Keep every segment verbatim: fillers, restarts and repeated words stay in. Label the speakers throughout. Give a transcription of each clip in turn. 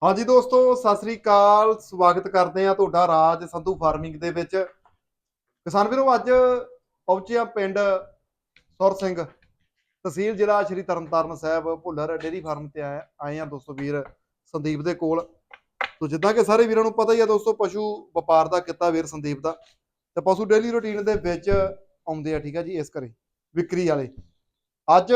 Speaker 1: हाँ जी दोस्तों, सत श्री अकाल। स्वागत करते हैं ਤੁਹਾਡਾ ਰਾਜ ਸੰਧੂ ਫਾਰਮਿੰਗ ਦੇ ਵਿੱਚ। ਕਿਸਾਨ ਵੀਰੋ, ਅੱਜ ਪਹੁੰਚੇ ਆ ਪਿੰਡ ਸੁਰ ਸਿੰਘ, ਤਹਿਸੀਲ ਜ਼ਿਲ੍ਹਾ ਸ਼੍ਰੀ ਤਰਨਤਾਰਨ ਸਾਹਿਬ, ਭੁੱਲਰ ਡੇਅਰੀ ਫਾਰਮ ਤੇ ਆਏ ਆਏ ਆ ਦੋਸਤੋ ਵੀਰ ਸੰਦੀਪ ਦੇ ਕੋਲ। ਤੋ ਜਿੱਦਾਂ ਕਿ ਸਾਰੇ ਵੀਰਾਂ ਨੂੰ ਪਤਾ ਹੀ ਆ ਦੋਸਤੋ, ਪਸ਼ੂ ਵਪਾਰ ਦਾ ਕਿੱਤਾ ਵੀਰ ਸੰਦੀਪ ਦਾ, ਤੇ ਪਸ਼ੂ ਡੇਲੀ ਰੂਟੀਨ ਦੇ ਵਿੱਚ ਆਉਂਦੇ ਆ। ਠੀਕ ਹੈ ਜੀ, ਇਸ ਕਰੇ ਵਿਕਰੀ ਵਾਲੇ। ਅੱਜ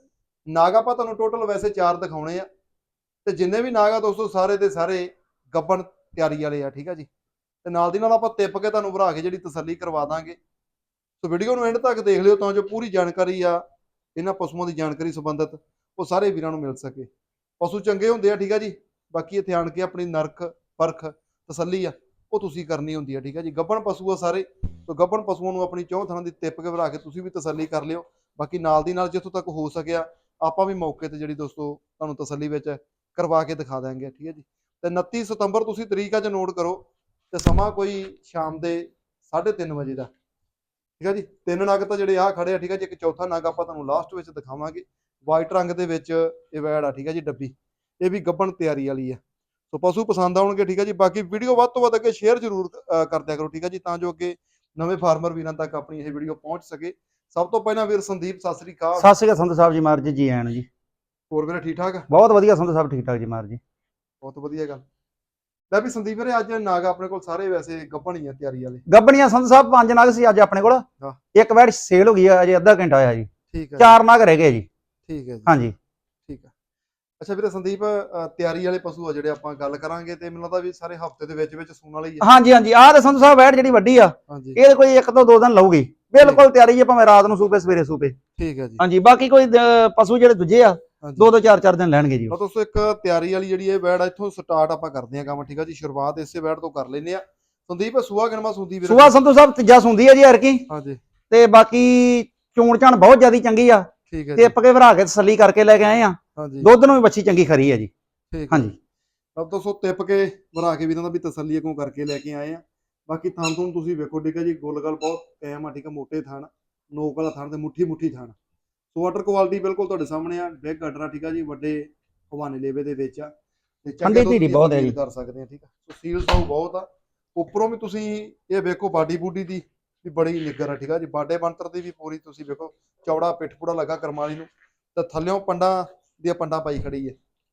Speaker 1: ਨਾਗ ਆਪਾਂ ਤੁਹਾਨੂੰ ਟੋਟਲ ਵੈਸੇ ਚਾਰ ਦਿਖਾਉਣੇ ਆ, ਤੇ ਜਿੰਨੇ ਵੀ ਨਾਗ ਆ ਦੋਸਤੋ ਸਾਰੇ ਦੇ ਸਾਰੇ ਗੱਬਣ ਤਿਆਰੀ ਵਾਲੇ ਆ। ਠੀਕ ਹੈ ਜੀ, ਤੇ ਨਾਲ ਦੀ ਨਾਲ ਆਪਾਂ ਤਿੱਪ ਕੇ ਤੁਹਾਨੂੰ ਭਰਾ ਕੇ ਜਿਹੜੀ ਤਸੱਲੀ ਕਰਵਾ ਦਾਂਗੇ। ਸੋ ਵੀਡੀਓ ਨੂੰ ਐਂਡ ਤੱਕ ਦੇਖ ਲਿਓ ਤਾਂ ਜੋ ਪੂਰੀ ਜਾਣਕਾਰੀ ਆ ਇਹਨਾਂ ਪਸ਼ੂਆਂ ਦੀ ਜਾਣਕਾਰੀ ਸੰਬੰਧਿਤ ਉਹ ਸਾਰੇ ਵੀਰਾਂ ਨੂੰ ਮਿਲ ਸਕੇ। ਪਸ਼ੂ ਚੰਗੇ ਹੁੰਦੇ ਆ, ਠੀਕ ਹੈ ਜੀ। ਬਾਕੀ ਇੱਥੇ ਆਣ ਕੇ ਆਪਣੀ ਨਰਖ ਪਰਖ ਤਸੱਲੀ ਆ ਉਹ ਤੁਸੀਂ ਕਰਨੀ ਹੁੰਦੀ ਆ। ਠੀਕ ਹੈ ਜੀ, ਗੱਬਣ ਪਸ਼ੂ ਆ ਸਾਰੇ, ਤੋਂ ਗੱਬਣ ਪਸ਼ੂਆਂ ਨੂੰ ਆਪਣੀ ਚੌਂ ਥਾਂ ਦੀ ਤਿੱਪ ਕੇ ਭਰਾ ਕੇ ਤੁਸੀਂ ਵੀ ਤਸੱਲੀ ਕਰ ਲਿਓ। ਬਾਕੀ ਨਾਲ ਦੀ ਨਾਲ ਜਿੱਥੋਂ ਤੱਕ ਹੋ ਸਕਿਆ ਆਪਾਂ ਵੀ ਮੌਕੇ ਤੇ ਜਿਹੜੀ ਦੋਸਤੋ ਤੁਹਾਨੂੰ ਤਸੱਲੀ ਵਿੱਚ ਕਰਵਾ ਕੇ ਦਿਖਾ ਦਾਂਗੇ। ਠੀਕ ਹੈ ਜੀ, ਤੇ ਉਨੱਤੀ ਸਤੰਬਰ ਤੁਸੀਂ ਤਰੀਕ ਅੱਜ ਨੋਟ ਕਰੋ, ਤੇ ਸਮਾਂ ਕੋਈ ਸ਼ਾਮ ਦੇ ਸਾਢੇ ਤਿੰਨ ਵਜੇ ਦਾ। ਠੀਕ ਹੈ ਜੀ, ਤਿੰਨ ਨਗ ਤਾਂ ਜਿਹੜੇ ਆ ਖੜੇ ਆ। ਠੀਕ ਹੈ ਜੀ, ਇੱਕ ਚੌਥਾ ਨਗ ਆਪਾਂ ਤੁਹਾਨੂੰ ਲਾਸਟ ਵਿੱਚ ਦਿਖਾਵਾਂਗੇ। ਵਾਈਟ ਰੰਗ ਦੇ ਵਿੱਚ ਇਹ ਵੈੜ ਆ। ਠੀਕ ਹੈ ਜੀ, ਡੱਬੀ ਇਹ ਵੀ ਗੱਬਣ ਤਿਆਰੀ ਵਾਲੀ ਆ। ਸੋ ਪਸ਼ੂ ਪਸੰਦ ਆਉਣਗੇ। ਠੀਕ ਹੈ ਜੀ, ਬਾਕੀ ਵੀਡੀਓ ਵੱਧ ਤੋਂ ਵੱਧ ਅੱਗੇ ਸ਼ੇਅਰ ਜ਼ਰੂਰ ਕਰ ਦਿਆ ਕਰੋ। ਠੀਕ ਹੈ ਜੀ, ਤਾਂ ਜੋ ਅੱਗੇ ਨਵੇਂ ਫਾਰਮਰ ਵੀਰਾਂ ਤੱਕ ਆਪਣੀ ਇਹ ਵੀਡੀਓ ਪਹੁੰਚ ਸਕੇ। ਸਭ ਤੋਂ ਪਹਿਲਾਂ ਵੀਰ ਸੰਦੀਪ, ਸਤਿ ਸ੍ਰੀ ਅਕਾਲ।
Speaker 2: ਸਤਿ ਸ਼੍ਰੀ ਅਕਾਲ ਸੰਧੂ ਸਾਹਿਬ ਜੀ, ਮਾਰ ਜੀ ਜੀ ਆਣ ਜੀ।
Speaker 1: ਹੋਰ ਵੀਰੇ ਠੀਕ ਠਾਕ?
Speaker 2: ਬਹੁਤ ਵਧੀਆ ਸੰਧੂ ਸਾਹਿਬ, ਠੀਕ ਠਾਕ ਜੀ ਮਾਰ ਜੀ।
Speaker 1: ਬਹੁਤ ਵਧੀਆ ਗੱਲ। ਲੈ ਵੀ ਸੰਦੀਪ ਵੀਰੇ, ਅੱਜ ਨਾਗ ਆਪਣੇ ਕੋਲ ਸਾਰੇ ਵੈਸੇ ਗੱਭਣ ਹੀ ਆ ਤਿਆਰੀ ਵਾਲੇ।
Speaker 2: ਗੱਬਣੀਆਂ ਸੰਧੂ ਸਾਹਿਬ ਪੰਜ ਨਗ ਸੀ ਅੱਜ ਆਪਣੇ ਕੋਲ।
Speaker 1: ਹਾਂ।
Speaker 2: ਇੱਕ ਵੈੜ ਸੇਲ ਹੋ ਗਈ ਆ, ਅਜੇ ਅੱਧਾ ਘੰਟਾ ਹੋਇਆ ਜੀ।
Speaker 1: ਠੀਕ ਹੈ,
Speaker 2: ਚਾਰ ਨਗ ਰਹਿ ਗਏ ਜੀ।
Speaker 1: ਠੀਕ ਹੈ ਜੀ,
Speaker 2: ਹਾਂਜੀ
Speaker 1: ਠੀਕ ਹੈ। ਅੱਛਾ ਵੀਰੇ ਸੰਦੀਪ, ਅ, ਤਿਆਰੀ ਵਾਲੇ ਪਸ਼ੂ ਆ ਜਿਹੜੇ ਆਪਾਂ ਗੱਲ ਕਰਾਂਗੇ, ਤੇ ਮੈਨੂੰ ਲੱਗਦਾ ਵੀ ਸਾਰੇ ਹਫਤੇ ਦੇ ਵਿੱਚ ਵਿੱਚ ਸੂਣ ਵਾਲੇ ਹੀ ਆ।
Speaker 2: ਹਾਂਜੀ ਹਾਂਜੀ, ਆਹ ਤੇ ਸੰਧੂ ਸਾਹਿਬ ਵੈੜ ਜਿਹੜੀ ਵੱਡੀ ਆ
Speaker 1: ਹਾਂਜੀ,
Speaker 2: ਇਹ ਕੋਈ ਇੱਕ ਤੋਂ ਦੋ ਦਿਨ ਲਊਗੀ। ਬਿਲਕੁਲ ਤਿਆਰੀ ਹੈ, ਭਾਵੇਂ ਰਾਤ ਨੂੰ ਸੂਪੇ ਸਵੇਰੇ ਸੂਪੇ।
Speaker 1: ਠੀਕ ਹੈ ਜੀ।
Speaker 2: ਹਾਂਜੀ, ਬਾਕੀ ਕੋਈ ਅ, ਪਸ਼ੂ ਜਿਹੜੇ ਦੂਜੇ ਆ
Speaker 1: ਹਾਂਜੀ,
Speaker 2: ਦੋ ਦੋ ਚਾਰ ਚਾਰ ਦਿਨ ਲੈਣਗੇ ਜੀ।
Speaker 1: ਤਾਂ ਦੋਸਤੋ ਇੱਕ ਤਿਆਰੀ ਵਾਲੀ ਜਿਹੜੀ ਇਹ ਵੈੜ ਆ, ਇੱਥੋਂ ਸਟਾਰਟ ਆਪਾਂ ਕਰਦੇ ਆ ਕੰਮ। ਠੀਕ ਹੈ ਜੀ, ਸ਼ੁਰੂਆਤ ਇਸੇ ਵੈੜ ਤੋਂ ਕਰ ਲੈਨੇ ਆ। ਸੰਦੀਪ ਸੂਆ ਕਿਨਵਾ ਸੁੰਦੀ ਵੀਰੇ?
Speaker 2: ਸੂਆ ਸੰਧੂ ਸਾਹਿਬ ਤੀਜਾ ਸੁੰਦੀ ਹੈ ਜੀ ਹਰਕੀ।
Speaker 1: ਹਾਂਜੀ,
Speaker 2: ਤੇ ਬਾਕੀ ਚੋਣ ਚਾਣ ਬਹੁਤ ਜ਼ਿਆਦਾ ਚੰਗੀ ਆ।
Speaker 1: ਠੀਕ ਹੈ ਜੀ।
Speaker 2: ਟਿੱਪ ਕੇ ਭਰਾ ਕੇ ਤਸੱਲੀ ਕਰਕੇ ਲੈ ਕੇ ਆਏ ਆ।
Speaker 1: ਹਾਂਜੀ,
Speaker 2: ਦੁੱਧ ਨੂੰ ਵੀ ਬੱਚੀ ਚੰਗੀ ਖਰੀ ਹੈ ਜੀ।
Speaker 1: ਠੀਕ ਹੈ।
Speaker 2: ਹਾਂਜੀ,
Speaker 1: ਤਾਂ ਦੋਸਤੋ ਤਿੱਪ ਕੇ ਭਰਾ ਕੇ ਵੀਰਾਂ ਦਾ ਵੀ ਤਸੱਲੀ ਅੱਗੋਂ ਕਰਕੇ ਲੈ ਕੇ ਆਏ ਆ। ਬਾਕੀ ਥਣ ਥਣ ਤੁਸੀਂ ਵੇਖੋ। ਠੀਕ ਹੈ ਜੀ, ਗੁੱਲ ਗੱਲ ਬਹੁਤ ਕਾਇਮ ਆ। ਠੀਕ ਹੈ, ਮੋਟੇ ਥਣ, ਨੋਕ ਵਾਲਾ ਥਣ ਤੇ ਮੁੱਠੀ ਮੁੱਠੀ ਥਣ। ਸੋ ਵਾਟਰ ਕੁਆਲਿਟੀ ਬਿਲਕੁਲ ਤੁਹਾਡੇ ਸਾਹਮਣੇ ਆ। ਬਿਗ ਗਟਰ ਆ। ਠੀਕ ਆ ਜੀ, ਵੱਡੇ ਹਵਾਨੇ ਲੇਵੇ ਦੇ ਵਿੱਚ ਆ, ਤੇ ਚੰਗੇ ਦੁੱਧ ਦੀ
Speaker 2: ਬਹੁਤ ਹੈ
Speaker 1: ਫੀਲ
Speaker 2: ਜੀ।
Speaker 1: ਕਰ ਸਕਦੇ ਆ। ਠੀਕ ਆ, ਸੋ ਸੀਲ ਸਾਊ ਬਹੁਤ ਆ। ਉੱਪਰੋਂ ਵੀ ਤੁਸੀਂ ਇਹ ਵੇਖੋ, ਬਾਡੀ ਬੂਡੀ ਦੀ ਵੀ ਬੜੀ ਨਿੱਗਰ ਆ। ਠੀਕ ਆ ਜੀ, ਬਾਡੇ ਬੰਤਰ ਦੀ ਵੀ ਪੂਰੀ ਤੁਸੀਂ ਵੇਖੋ, ਚੌੜਾ ਪਿੱਠ ਪੂੜਾ ਲੱਗਾ ਕਰਮਾਲੀ ਨੂੰ, ਤੇ ਥੱਲਿਓਂ ਪੰਡਾਂ ਦੀਆਂ ਪੰਡਾਂ ਪਾਈ ਖੜੀ ਹੈ।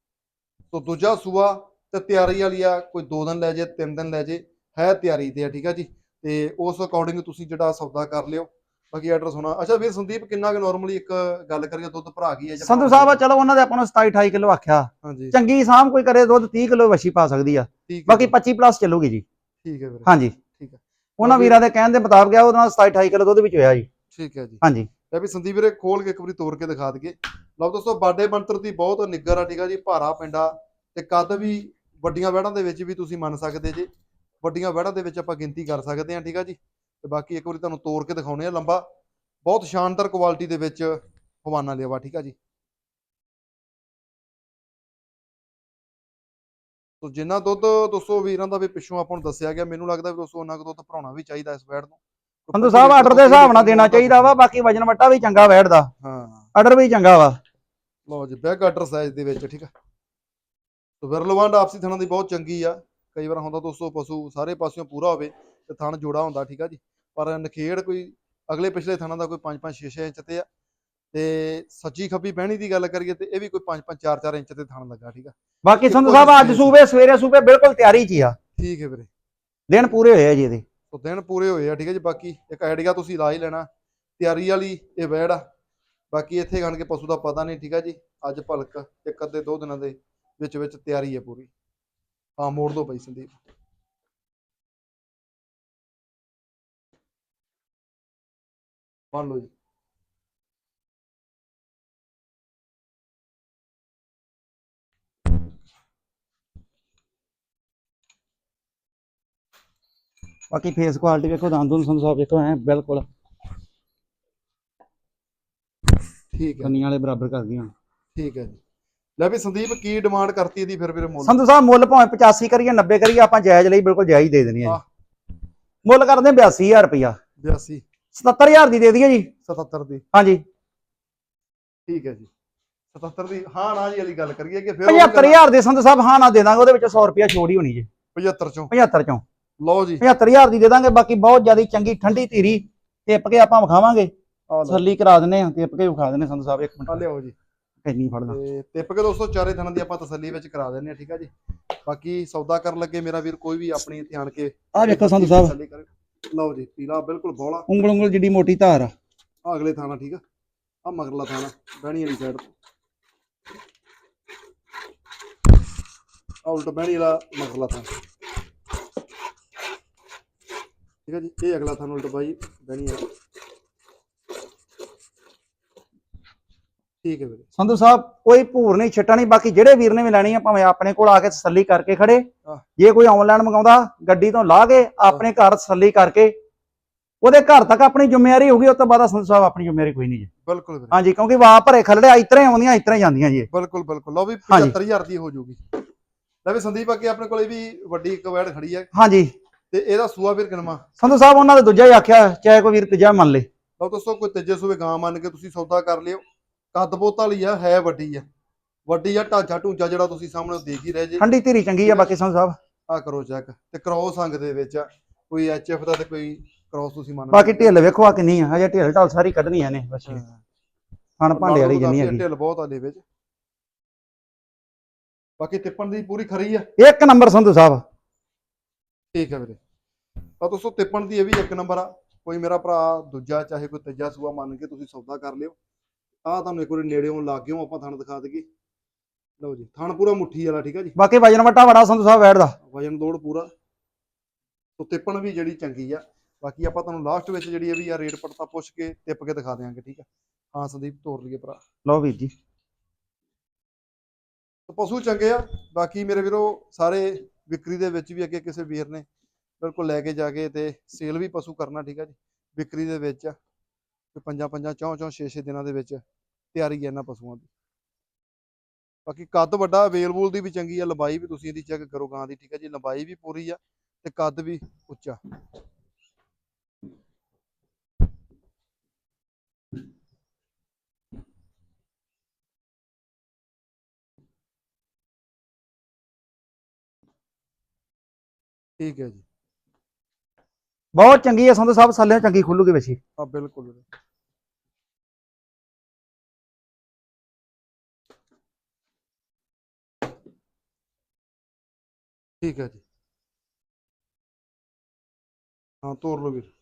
Speaker 1: ਸੋ ਦੂਜਾ ਸੂਆ ਤੇ ਤਿਆਰੀ ਵਾਲੀ ਆ, ਕੋਈ ਦੋ ਦਿਨ ਲੈ ਜੇ ਤਿੰਨ ਦਿਨ ਲੈ ਜੇ, ਹੈ ਤਿਆਰੀ ਤੇ ਆ। ਠੀਕ ਆ ਜੀ, ਤੇ ਉਸ ਅਕੋਰਡਿੰਗ ਤੁਸੀਂ ਜਿਹੜਾ ਸੌਦਾ ਕਰ ਲਿਓ। ਬਾਕੀ ਐਡਰੈਸ ਹੋਣਾ। ਅੱਛਾ ਵੀਰ ਸੰਦੀਪ, ਕਿੰਨਾ ਕੁ ਨਾਰਮਲੀ ਇੱਕ ਗੱਲ ਕਰੀਏ ਦੁੱਧ ਭਰਾ ਗਈ ਹੈ ਜਾਂ
Speaker 2: ਸੰਧੂ ਸਾਹਿਬ ਚਲੋ ਉਹਨਾਂ ਦੇ ਆਪਾਂ ਨੂੰ ਸਤਾਈ ਅਠਾਈ ਕਿਲੋ ਆਖਿਆ।
Speaker 1: ਹਾਂਜੀ,
Speaker 2: ਚੰਗੀ ਸਾਂਭ ਕੋਈ ਕਰੇ ਦੁੱਧ ਤੀਹ ਕਿਲੋ ਵਛੀ ਪਾ ਸਕਦੀ ਆ।
Speaker 1: ਠੀਕ ਹੈ
Speaker 2: ਬਾਕੀ
Speaker 1: ਜੀ,
Speaker 2: ਪੱਚੀ ਪਲੱਸ ਚੱਲੂਗੀ ਜੀ।
Speaker 1: ਠੀਕ ਹੈ ਵੀਰੇ,
Speaker 2: ਹਾਂਜੀ,
Speaker 1: ਠੀਕ ਹੈ।
Speaker 2: ਉਹਨਾਂ
Speaker 1: ਬਾਕੀ-
Speaker 2: ਵੀਰਾਂ ਦੇ ਕਹਿਣ ਦੇ ਮੁਤਾਬਕ ਆ, ਉਹਦੇ ਨਾਲ ਸਤਾਈ ਅਠਾਈ ਕਿਲੋ ਦੁੱਧ ਵਿੱਚ ਹੋਇਆ ਜੀ।
Speaker 1: ਠੀਕ ਹੈ ਜੀ।
Speaker 2: ਹਾਂਜੀ,
Speaker 1: ਲੈ ਵੀ ਸੰਦੀਪ ਵੀਰੇ ਖੋਲ ਕੇ ਇੱਕ ਵਾਰੀ ਤੋੜ ਕੇ ਦਿਖਾ ਦਈਏ। ਲਓ ਦੋਸਤੋ, ਬਾਡੇ ਬੰਤਰ ਦੀ ਬਹੁਤ ਨਿੱਗਰ ਆ। ਠੀਕ ਆ ਜੀ, ਭਾਰਾ ਪਿੰਡਾ, ਤੇ ਕੱਦ ਵੀ ਵੱਡੀਆਂ ਵਹਿੜਾਂ ਦੇ ਵਿੱਚ ਵੀ ਤੁਸੀਂ ਮੰਨ ਸਕਦੇ ਜੇ। ਵੱਡੀਆਂ ਵਹਿੜਾਂ ਦੇ ਵਿੱਚ ਆਪਾਂ ਗਿਣਤੀ ਕਰ ਸਕਦੇ ਹਾਂ। ਠੀਕ ਆ ਜੀ, ਤੇ ਬਾਕੀ ਇੱਕ ਵਾਰੀ ਤੁਹਾਨੂੰ ਤੋੜ ਕੇ ਦਿਖਾਉਣੇ ਆ। ਲੰਬਾ ਬਹੁਤ ਸ਼ਾਨਦਾਰ ਕੁਆਲਿਟੀ ਦੇ ਵਿੱਚ ਹਵਾਨਾ ਲਿਆ ਵਾ। ਠੀਕ ਆ ਜੀ, ਸੋ ਜਿੰਨਾ ਦੁੱਧ ਦੋਸਤੋ ਵੀਰਾਂ ਦਾ ਵੀ ਪਿੱਛੋਂ ਆਪਾਂ ਨੂੰ ਦੱਸਿਆ ਗਿਆ, ਮੈਨੂੰ ਲੱਗਦਾ ਵੀ ਦੋਸਤੋ ਉਹਨਾਂ ਕੁ ਦੁੱਧ ਭਰਾਉਣਾ ਵੀ ਚਾਹੀਦਾ ਇਸ ਵੈੜ ਨੂੰ।
Speaker 2: ਸੰਧੂ ਸਾਹਿਬ ਆਰਡਰ ਦੇ ਹਿਸਾਬ ਨਾਲ ਦੇਣਾ ਚਾਹੀਦਾ ਵਾ। ਬਾਕੀ ਵਜਨ ਵੱਟਾ ਵੀ ਚੰਗਾ ਵੈੜ ਦਾ,
Speaker 1: ਹਾਂ,
Speaker 2: ਆਰਡਰ ਵੀ ਚੰਗਾ ਵਾ।
Speaker 1: ਲਓ ਜੀ, ਬੈਗ ਆਰਡਰ ਸਾਈਜ਼ ਦੇ ਵਿੱਚ। ਠੀਕ ਆ, ਸੋ ਵਿਰਲਵਾਂਡ ਆਪਸੀ ਥਣਾਂ ਦੀ ਬਹੁਤ ਚੰਗੀ ਆ। ਕਈ ਵਾਰ ਹੁੰਦਾ ਦੋਸਤੋ ਪਸ਼ੂ ਸਾਰੇ ਪਾਸਿਓਂ ਪੂਰਾ ਹੋਵੇ ਤੇ ਥਣ ਜੋੜਾ ਹੁੰਦਾ। ਠੀਕ ਆ ਜੀ, ਪਰ ਨਖੇੜ ਕੋਈ ਅਗਲੇ ਪਿਛਲੇ ਥਣਾਂ ਦਾ ਕੋਈ ਪੰਜ ਪੰਜ ਛੇ ਛੇ ਇੰਚ ਤੇ ਆ, ਤੇ ਸੱਜੀ ਖੱਬੀ ਬਹਿਣੀ ਦੀ ਗੱਲ ਕਰੀਏ ਤੇ ਇਹ ਵੀ ਕੋਈ ਪੰਜ ਪੰਜ ਚਾਰ ਚਾਰ ਇੰਚ ਤੇ ਥਣ ਲੱਗਾ। ਠੀਕ ਆ,
Speaker 2: ਬਾਕੀ
Speaker 1: ਇੱਕੋ
Speaker 2: ਸੰਧੂ ਸਾਹਿਬ
Speaker 1: ਜਿਹੀ
Speaker 2: ਅੱਜ
Speaker 1: space
Speaker 2: ਸੂਬੇ ਸਵੇਰੇ ਸੂਬੇ ਬਿਲਕੁਲ ਤਿਆਰੀ 'ਚ ਹੀ ਆ।
Speaker 1: ਠੀਕ ਹੈ ਵੀਰੇ,
Speaker 2: ਦਿਨ ਪੂਰੇ ਹੋਏ ਆ ਜੀ ਇਹਦੇ।
Speaker 1: ਸੋ ਦਿਨ ਪੂਰੇ ਹੋਏ ਆ। ਠੀਕ ਹੈ ਜੀ, ਬਾਕੀ ਇੱਕ ਆਈਡੀਆ ਤੁਸੀਂ ਲਾ ਹੀ ਲੈਣਾ। ਤਿਆਰੀ ਵਾਲੀ ਇਹ ਵੈੜ ਆ। ਬਾਕੀ ਇੱਥੇ ਗਣ ਕੇ ਪਸ਼ੂ ਦਾ ਪਤਾ ਨਹੀਂ। ਠੀਕ ਹੈ ਜੀ, ਅੱਜ ਭਲਕ ਇੱਕ ਅੱਧੇ ਦੋ ਦਿਨਾਂ ਦੇ ਵਿੱਚ ਵਿੱਚ ਤਿਆਰੀ ਹੈ ਪੂਰੀ। ਹਾਂ, ਮੋੜ ਦੋ ਪਈ ਸੰਦੀਪ। ਮੰਨ ਲਓ ਜੀ,
Speaker 2: ਬਾਕੀ ਫੇਸ ਕੁਆਲਿਟੀ ਵੇਖੋ, ਦੰਦ ਨੂੰ ਸੰਧੂ ਸਾਹਿਬ ਵੇਖੋ ਐ ਬਿਲਕੁਲ
Speaker 1: ਠੀਕ ਹੈ,
Speaker 2: ਕੰਨੀਆਂ ਵਾਲੇ ਬਰਾਬਰ ਕਰ ਗਈਆਂ।
Speaker 1: ਠੀਕ ਹੈ ਜੀ। ਲੈ ਵੀ ਸੰਦੀਪ, ਕੀ ਡਿਮਾਂਡ ਕਰਤੀ ਇਹਦੀ ਫਿਰ ਵੀਰੇ ਮੁੱਲ?
Speaker 2: ਸੰਧੂ ਸਾਹਿਬ ਮੁੱਲ ਭਾਵੇਂ ਪਚਾਸੀ ਕਰੀਏ ਨੱਬੇ ਕਰੀਏ, ਆਪਾਂ ਜਾਇਜ਼ ਲਈ ਬਿਲਕੁਲ ਜਾਇਜ਼ ਦੇ ਦੇਣੀ ਹੈ
Speaker 1: ਆਹ,
Speaker 2: ਜੀ। ਮੁੱਲ ਕਰਦੇ ਬਿਆਸੀ ਹਜ਼ਾਰ ਰੁਪਇਆ।
Speaker 1: ਬਿਆਸੀ
Speaker 2: ਸਤੱਤਰ ਹਜ਼ਾਰ ਦੀ ਦੇ ਦਈਏ ਜੀ।
Speaker 1: ਸਤੱਤਰ ਦੀ?
Speaker 2: ਹਾਂਜੀ,
Speaker 1: ਠੀਕ ਹੈ ਜੀ, ਸਤੱਤਰ ਦੀ ਹਾਂ ਨਾ ਜੀ ਵਾਲੀ ਗੱਲ ਕਰੀਏ ਕਿ ਫਿਰ
Speaker 2: ਪਝੱਤਰ ਹਜ਼ਾਰ ਦੇ ਸੰਧੂ ਸਾਹਿਬ ਹਾਂ ਨਾ ਦੇ ਦਾਂਗੇ, ਉਹਦੇ ਵਿੱਚ ਸੌ ਰੁਪਿਆ ਛੋੜ ਹੀ ਹੋਣੀ ਜੀ।
Speaker 1: ਪਝੱਤਰ ਚੋਂ
Speaker 2: ਪਝੱਤਰ ਚੋਂ
Speaker 1: ਲਓ ਜੀ
Speaker 2: ਪਝੱਤਰ ਹਜ਼ਾਰ ਦੀ ਦੇ ਦਾਂਗੇ। ਬਾਕੀ ਬਹੁਤ ਜ਼ਿਆਦਾ ਚੰਗੀ ਠੰਡੀ ਧੀਰੀ ਟਿੱਪ ਕੇ ਆਪਾਂ ਵਿਖਾਵਾਂਗੇ,
Speaker 1: ਆ ਲਓ
Speaker 2: ਤਸੱਲੀ ਕਰਾ ਦਿੰਦੇ ਆ, ਟਿੱਪ ਕੇ ਵਿਖਾ ਦਿੰਦੇ ਸੰਧੂ ਸਾਹਿਬ। ਇੱਕ
Speaker 1: ਆ
Speaker 2: ਮਿੰਟ
Speaker 1: ਲਿਓ ਜੀ
Speaker 2: ਇੰਨੀ ਫੜਦਾ
Speaker 1: ਤੇ ਟਿੱਪ ਕੇ ਦੋਸਤੋ ਚਾਰੇ ਥਣਾਂ ਦੀ ਆਪਾਂ ਤਸੱਲੀ ਵਿੱਚ ਕਰਾ ਦਿੰਦੇ ਆ, ਠੀਕ ਆ ਜੀ। ਬਾਕੀ ਸੌਦਾ ਕਰਨ ਲੱਗੇ ਮੇਰਾ ਵੀਰ ਕੋਈ ਵੀ ਆਪਣੀ ਇੱਥੇ ਆਣ ਕੇ
Speaker 2: ਆਹ ਵੇਖੋ ਸੰਧੂ ਸਾਹਿਬ,
Speaker 1: ਤਸੱਲੀ ਕਰੇ। ਲਓ ਜੀ ਪੀਲਾ ਬਿਲਕੁਲ ਬੋਲਾ,
Speaker 2: ਉਂਗਲ ਉਂਗਲ ਜਿੱਡੀ ਮੋਟੀ ਧਾਰ ਆ।
Speaker 1: ਆ ਅਗਲੇ ਥਾਣਾ ਠੀਕ ਆ, ਆ ਮਗਰਲਾ ਥਾਣਾ ਬਹਿਣੀ ਵਾਲੀ ਸਾਈਡ, ਆ ਉਲਟ ਬਹਿਣੀ ਵਾਲਾ ਮਗਰਲਾ ਥਾਣਾ, ਠੀਕ ਆ ਜੀ। ਇਹ ਅਗਲਾ ਥਾਣਾ ਉਲਟ ਬਾਈ ਬਹਿਣੀ ਵਾਲਾ, ਠੀਕ ਹੈ ਵੀਰੇ।
Speaker 2: ਸੰਧੂ ਸਾਹਿਬ ਕੋਈ ਭੂਰ ਨਹੀਂ ਛੱਟਾ ਨਹੀਂ। ਬਾਕੀ ਜਿਹੜੇ ਵੀਰ ਨੇ ਵੀ ਲੈਣੀ ਆ ਭਾਵੇਂ ਆਪਣੇ ਕੋਲ ਆ ਕੇ ਤਸੱਲੀ ਕਰਕੇ ਖੜੇ, ਜੇ ਕੋਈ ਆਨਲਾਈਨ ਮੰਗਾਉਂਦਾ ਗੱਡੀ ਤੋਂ ਲਾ ਕੇ ਆਪਣੇ ਘਰ ਤਸੱਲੀ ਕਰਕੇ ਉਹਦੇ ਘਰ ਤੱਕ ਆਪਣੀ ਜ਼ਿੰਮੇਵਾਰੀ ਹੋਊਗੀ, ਉਸ ਤੋਂ ਬਾਅਦ ਸੰਧੂ ਸਾਹਿਬ ਆਪਣੀ ਜ਼ਿੰਮੇਵਾਰੀ ਕੋਈ ਨਹੀਂ ਜੀ।
Speaker 1: ਬਿਲਕੁਲ ਵੀਰੇ
Speaker 2: ਹਾਂਜੀ, ਕਿਉਂਕਿ ਵਾਹ ਭਰੇ ਖਲੜੇ ਇਤਰੇ ਆਉਂਦੀਆਂ ਇਤਰੇ ਜਾਂਦੀਆਂ ਜੀ।
Speaker 1: ਬਿਲਕੁਲ ਬਿਲਕੁਲ। ਲਓ ਵੀ ਪਝੱਤਰ ਹਜ਼ਾਰ ਦੀ ਹੋ ਜਾਊਗੀ। ਲੈ ਵੀ ਸੰਦੀਪ ਅੱਗੇ ਆਪਣੇ ਕੋਲ ਇਹ ਵੀ ਵੱਡੀ ਕਵੈੜ ਖੜੀ ਹੈ
Speaker 2: ਹਾਂਜੀ,
Speaker 1: ਤੇ ਇਹਦਾ ਸੂਆ ਵੀਰ ਕਿਨਵਾ
Speaker 2: ਸੰਧੂ ਸਾਹਿਬ ਉਹਨਾਂ ਦੇ ਦੂਜਾ ਹੀ ਆਖਿਆ, ਚਾਹੇ ਕੋਈ ਵੀਰ ਤੀਜਾ ਮੰਨ ਲੇ।
Speaker 1: ਲਓ ਦੋਸਤੋ ਕੋਈ ਤੀਜੇ ਸੂਏ ਗਾਂ ਮੰਨ ਕੇ ਤੁਸੀਂ ਸੌਦਾ ਕਰ ਲਿਓ। ਕੱਦ ਬੋਤ ਵਾਲੀ ਆ, ਹੈ ਵੱਡੀ ਆ, ਵੱਡੀ ਆ, ਢਾਂਚਾ ਢੂੰਚਾ ਜਿਹੜਾ ਤੁਸੀਂ ਸਾਹਮਣੇ ਦੇਖ ਹੀ ਰਹੇ ਜੇ।
Speaker 2: ਠੰਡੀ ਧੀਰੀ ਚੰਗੀ ਆ। ਬਾਕੀ ਸੰਧੂ ਸਾਹਿਬ
Speaker 1: ਆ ਕਰੋ ਚੈੱਕ ਤੇ ਕ੍ਰੋਸ ਅੰਗ ਦੇ ਵਿੱਚ ਆ, ਕੋਈ ਐਚ ਐਫ ਦਾ ਤੇ ਕੋਈ ਕ੍ਰੋਸ ਤੁਸੀਂ ਮੰਨ ਲਓ।
Speaker 2: ਬਾਕੀ ਢਿੱਲ ਵੇਖੋ ਆ ਕਿੰਨੀ ਆ, ਹਜੇ ਢਿੱਲ ਢਾਲ ਸਾਰੀ ਕੱਢਣੀਆਂ ਨੇ ਬਸ। ਹਣ ਭਾਂਡੇ ਵਾਲੀ ਜਿੰਨੀ ਹੈਗੀ,
Speaker 1: ਢਿੱਲ ਬਹੁਤ ਆ ਦੇ ਵਿੱਚ। ਬਾਕੀ ਤਿੱਪਣ ਦੀ ਪੂਰੀ ਖਰੀ ਆ,
Speaker 2: ਇੱਕ ਨੰਬਰ ਸੰਧੂ ਸਾਹਿਬ।
Speaker 1: ਠੀਕ ਹੈ ਵੀਰੇ। ਤਾਂ ਦੋਸਤੋ ਤਿੱਪਣ ਦੀ ਇਹ ਵੀ ਇੱਕ ਨੰਬਰ ਆ। ਕੋਈ ਮੇਰਾ ਭਰਾ ਦੂਜਾ ਚਾਹੇ ਕੋਈ ਤੀਜਾ ਸੂਆ ਮੰਨ ਕੇ ਤੁਸੀਂ ਸੌਦਾ ਕਰ ਲਿਓ। ਆਹ ਤੁਹਾਨੂੰ ਇੱਕ ਵਾਰੀ ਨੇੜਿਓਂ ਲੱਗ ਗਿਓ ਆਪਾਂ ਥਣ ਦਿਖਾ ਦਈਏ। ਲਓ ਜੀ ਥਣ ਪੂਰਾ ਮੁੱਠੀ ਵਾਲਾ, ਠੀਕ ਆ ਜੀ।
Speaker 2: ਬਾਕੀ ਵਜਨ ਵਟਾ ਬੜਾ ਸੰਧੂ ਸਾਹਿਬ ਵੈੜ ਦਾ,
Speaker 1: ਵਜਨ ਦੋੜ ਪੂਰਾ। ਸੋ ਤਿੱਪਣ ਵੀ ਜਿਹੜੀ ਚੰਗੀ ਆ। ਬਾਕੀ ਆਪਾਂ ਤੁਹਾਨੂੰ ਲਾਸਟ ਵਿੱਚ ਜਿਹੜੀ ਇਹ ਵੀ ਆ ਰੇਟ ਪੜਤਾ ਪੁੱਛ ਕੇ ਟਿੱਪ ਕੇ ਦਿਖਾ ਦਿਆਂਗੇ, ਠੀਕ ਆ। ਹਾਂ ਸੰਦੀਪ ਤੋਰ ਲਈਏ ਭਰਾ।
Speaker 2: ਲਓ ਵੀਰ ਜੀ
Speaker 1: ਪਸ਼ੂ ਚੰਗੇ ਆ। ਬਾਕੀ ਮੇਰੇ ਵੀਰੋ ਸਾਰੇ ਵਿਕਰੀ ਦੇ ਵਿੱਚ ਵੀ ਅੱਗੇ ਕਿਸੇ ਵੀਰ ਨੇ ਬਿਲਕੁਲ ਲੈ ਕੇ ਜਾ ਕੇ ਤੇ ਸੇਲ ਵੀ ਪਸ਼ੂ ਕਰਨਾ, ਠੀਕ ਆ ਜੀ। ਵਿਕਰੀ ਦੇ ਵਿੱਚ ਪੰਜਾਂ ਪੰਜਾਂ ਚੌਂ ਚੌਂ ਛੇ ਛੇ ਦਿਨਾਂ ਦੇ ਵਿੱਚ ਤਿਆਰੀ ਹੈ ਇਹਨਾਂ ਪਸ਼ੂਆਂ ਦੀ। ਬਾਕੀ ਕੱਦ ਵੱਡਾ, ਵੇਲ-ਵੂਲ ਦੀ ਵੀ ਚੰਗੀ ਆ, ਲੰਬਾਈ ਵੀ ਤੁਸੀਂ ਇਹਦੀ ਚੈੱਕ ਕਰੋ ਗਾਂ ਦੀ, ਠੀਕ ਆ ਜੀ। ਲੰਬਾਈ ਵੀ ਪੂਰੀ ਆ ਤੇ ਕੱਦ ਵੀ ਉੱਚਾ। ਠੀਕ ਹੈ ਜੀ,
Speaker 2: ਬਹੁਤ ਚੰਗੀ ਹੈ ਸੰਧੂ ਸਾਹਿਬ, ਸਾਲਿਆਂ ਚੰਗੀ ਖੁੱਲੂਗੀ ਵੈਸੀ।
Speaker 1: ਆ ਬਿਲਕੁਲ ਠੀਕ ਹੈ ਜੀ। ਹਾਂ ਤੋਰ ਲਓ ਵੀਰ।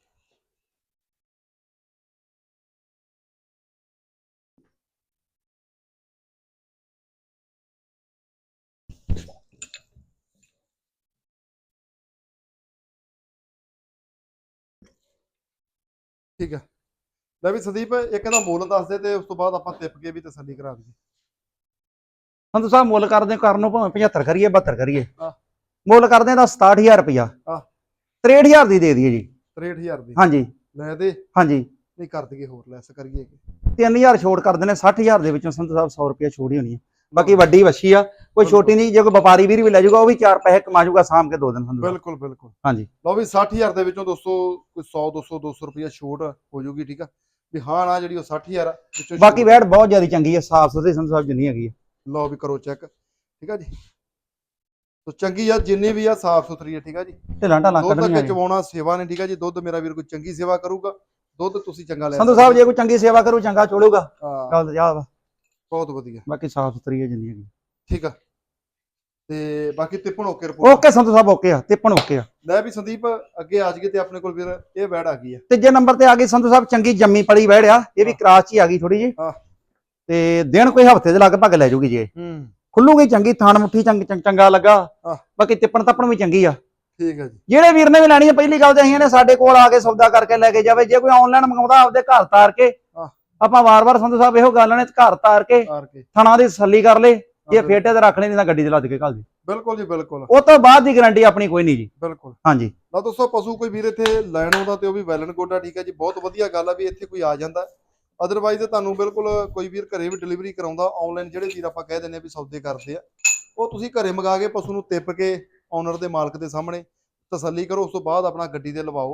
Speaker 1: ਠੀਕ ਹੈ। ਲੈ ਵੀ ਸੰਦੀਪ ਇੱਕ ਇਹਦਾ ਮੁੱਲ ਦੱਸ ਦੇ ਤੇ ਉਸ ਤੋਂ ਬਾਅਦ ਆਪਾਂ ਟਿੱਪ ਕੇ ਵੀ ਤਸੱਲੀ ਕਰਾ ਦਈਏ।
Speaker 2: ਸੰਧੂ ਸਾਹਿਬ ਮੁੱਲ ਕਰਦੇ ਕਰਨ ਨੂੰ ਭਾਵੇਂ ਪਝੱਤਰ ਕਰੀਏ ਬਹੱਤਰ ਕਰੀਏ,
Speaker 1: ਆਹ
Speaker 2: ਮੁੱਲ ਕਰਦੇ ਦਾ ਸਤਾਹਠ ਹਜ਼ਾਰ ਰੁਪਇਆ।
Speaker 1: ਆਹ
Speaker 2: ਤਰੇਹਠ ਹਜ਼ਾਰ ਦੀ ਦੇ ਦਈਏ ਜੀ।
Speaker 1: ਤਰੇਹਠ ਹਜ਼ਾਰ ਦੀ
Speaker 2: ਹਾਂਜੀ
Speaker 1: ਲੈ ਦੇ।
Speaker 2: ਹਾਂਜੀ
Speaker 1: ਨਹੀਂ ਕਰ ਦਈਏ, ਹੋਰ ਲੈਸ ਕਰੀਏ।
Speaker 2: ਤਿੰਨ ਹਜ਼ਾਰ ਛੋੜ ਕਰ ਦਿੰਦੇ, ਸੱਠ ਹਜ਼ਾਰ ਦੇ ਵਿੱਚੋਂ ਸੰਧੂ ਸਾਹਿਬ ਸੌ ਰੁਪਇਆ ਛੋੜ ਹੀ ਹੋਣੀ ਹੈ। ਬਾਕੀ ਵੱਡੀ ਵੱਛੀ ਆ, ਕੋਈ ਛੋਟੀ ਨਹੀਂ। ਜੇ ਕੋਈ ਵਪਾਰੀ ਵੀਰ ਵੀ ਲੈ ਜਾਊਗਾ ਉਹ ਵੀ ਚਾਰ ਪੈਸੇ ਕਮਾ ਜਾਊਗਾ ਸਾਂਭ ਕੇ ਦੋ ਦਿਨ ਸੰਧੂ ਸਾਹਿਬ।
Speaker 1: ਬਿਲਕੁਲ ਬਿਲਕੁਲ।
Speaker 2: ਹਾਂਜੀ
Speaker 1: ਲਓ ਵੀ ਸੱਠ ਹਜ਼ਾਰ ਦੇ ਵਿੱਚੋਂ ਦੋਸਤੋ ਕੋਈ ਸੌ ਦੋ ਸੌ ਦੋ ਸੌ ਰੁਪਇਆ ਛੋਟ ਹੋ ਜਾਊਗੀ, ਠੀਕ ਆ ਵੀ। ਹਾਂ ਨਾ ਜਿਹੜੀ ਉਹ ਸੱਠ ਹਜ਼ਾਰ ਵਿੱਚੋਂ
Speaker 2: ਬਾਕੀ ਵੈੜ ਬਹੁਤ ਜ਼ਿਆਦਾ ਚੰਗੀ ਹੈ, ਸਾਫ ਸੁਥਰੀ ਸੰਧੂ ਸਾਹਿਬ ਜਿੰਨੀ ਹੈਗੀ ਹੈ।
Speaker 1: ਲਓ ਵੀ ਕਰੋ ਚੈੱਕ, ਠੀਕ ਆ ਜੀ। ਸੋ ਚੰਗੀ ਆ ਜਿੰਨੀ ਵੀ ਆ, ਸਾਫ ਸੁਥਰੀ ਆ, ਠੀਕ ਆ ਜੀ।
Speaker 2: ਢਿੱਲਾਂ ਢਾਲਾਂ
Speaker 1: ਦੁੱਧ
Speaker 2: ਕੱਢਣੀਆਂ
Speaker 1: ਅੱਗੇ ਚਵਾਉਣਾ ਸੇਵਾ ਨੇ, ਠੀਕ ਆ ਜੀ। ਦੁੱਧ ਮੇਰਾ ਵੀਰ ਕੋਈ ਚੰਗੀ ਸੇਵਾ ਕਰੂਗਾ, ਦੁੱਧ ਤੁਸੀਂ ਚੰਗਾ ਲੈ
Speaker 2: ਸੰਧੂ ਸਾਹਿਬ। ਜੇ ਕੋਈ ਚੰਗੀ ਸੇਵਾ ਕਰੂ ਚੰਗਾ ਚੋੜੂਗਾ,
Speaker 1: ਹਾਂ
Speaker 2: ਗੱਲ ਜਾ ਵਾ।
Speaker 1: ਬਹੁਤ ਵਧੀਆ।
Speaker 2: ਬਾਕੀ ਸਾਫ ਸੁਥਰੀ ਹੈ ਜਿੰਨੀ ਹੈਗੀ,
Speaker 1: ਠੀਕ ਆ। ਤੇ ਬਾਕੀ ਤਿੱਪਣ okay report.
Speaker 2: Okay Sandhu Sahib okay ਆ, ਤਿੱਪਣ ਓਕੇ ਆ।
Speaker 1: ਲੈ ਵੀ ਸੰਦੀਪ ਅੱਗੇ ਆ ਜਾਈਏ ਤੇ ਆਪਣੇ ਕੋਲ ਵੀਰ ਇਹ ਵੈੜ ਆ ਗਈ ਆ।
Speaker 2: ਤੀਜੇ ਨੰਬਰ ਤੇ ਆ ਗਈ ਸੰਧੂ ਸਾਹਿਬ ਚੰਗੀ ਜੰਮੀ ਪਲੀ ਵੈੜ ਆ। ਇਹ ਵੀ ਕਰਾਸ ਚ ਹੀ ਆ ਗਈ ਥੋੜੀ ਜੀ,
Speaker 1: ਹਾਂ
Speaker 2: ਤੇ ਦਿਨ ਕੋਈ ਹਫਤੇ ਦੇ ਲਗਭਗ ਲੈ ਜੂਗੀ ਜੇ।
Speaker 1: ਹੂੰ
Speaker 2: ਖੁੱਲੂਗੀ ਚੰਗੀ, ਥਾਣ ਮੁੱਠੀ ਚੰਗ ਚੰਗ- ਚੰਗਾ ਲੱਗਾ।
Speaker 1: ਹਾਂ
Speaker 2: ਬਾਕੀ ਤਿੱਪਣ ਤੱਪਣ ਵੀ ਚੰਗੀ ਆ।
Speaker 1: ਠੀਕ ਹੈ ਜੀ।
Speaker 2: ਜਿਹੜੇ ਵੀਰ ਨੇ ਵੀ ਲੈਣੀ ਹੈ ਪਹਿਲੀ ਗੱਲ ਤੇ ਅਸੀਂ ਨੇ ਸਾਡੇ ਕੋਲ ਆ ਕੇ ਸੌਦਾ ਕਰਕੇ ਲੈ ਕੇ ਜਾਵੇ। ਜੇ ਕੋਈ ਆਨਲਾਈਨ ਮੰਗਾਉਂਦਾ ਆਪਦੇ ਘਰ ਤਾਰ ਕੇ,
Speaker 1: ਹਾਂ
Speaker 2: ਆਪਾਂ ਵਾਰ-ਵਾਰ ਸੰਧੂ ਸਾਹਿਬ ਇਹੋ ਗੱਲ ਨੇ ਘਰ ਤਾਰ ਕੇ
Speaker 1: ਤਾਰ ਕੇ
Speaker 2: ਥਣਾ ਦੀ ਤਸੱਲੀ ਕਰ ਲੇ। ਜੇ ਫੇਟੇ ਤੇ ਰੱਖ ਲੈ, ਨਹੀਂ ਤਾਂ ਗੱਡੀ 'ਚ ਲੱਦ ਕੇ ਘੱਲ ਦੇ।
Speaker 1: ਬਿਲਕੁਲ ਜੀ ਬਿਲਕੁਲ।
Speaker 2: ਉਹ ਤੋਂ ਬਾਅਦ ਦੀ ਗਾਰੰਟੀ ਆਪਣੀ ਕੋਈ ਨਹੀਂ ਜੀ।
Speaker 1: ਬਿਲਕੁਲ।
Speaker 2: ਹਾਂਜੀ
Speaker 1: ਨਾ ਦੋਸਤੋ ਪਸ਼ੂ ਕੋਈ ਵੀਰ ਇੱਥੇ ਲੈਣ ਆਉਂਦਾ ਤੇ ਉਹ ਵੀ ਵੈਲਨ ਗੋਡਾ, ਠੀਕ ਹੈ ਜੀ। ਬਹੁਤ ਵਧੀਆ ਗੱਲ ਆ ਵੀ ਇੱਥੇ ਕੋਈ ਆ ਜਾਂਦਾ। ਅਦਰਵਾਈਜ਼ ਤੁਹਾਨੂੰ ਬਿਲਕੁਲ ਕੋਈ ਵੀਰ ਘਰੇ ਵੀ ਡਿਲੀਵਰੀ ਕਰਾਉਂਦਾ ਆਨਲਾਈਨ, ਜਿਹੜੇ ਵੀਰ ਆਪਾਂ ਕਹਿ ਦਿੰਦੇ ਆ ਵੀ ਸੌਦੇ ਕਰਦੇ ਆ, ਉਹ ਤੁਸੀਂ ਘਰੇ ਮੰਗਾ ਕੇ ਪਸ਼ੂ ਨੂੰ ਟਿੱਪ ਕੇ ਓਨਰ ਦੇ ਮਾਲਕ ਦੇ ਸਾਹਮਣੇ ਤਸੱਲੀ ਕਰੋ। ਉਸ ਤੋਂ ਬਾਅਦ ਆਪਣਾ ਗੱਡੀ ਤੇ ਲਵਾਓ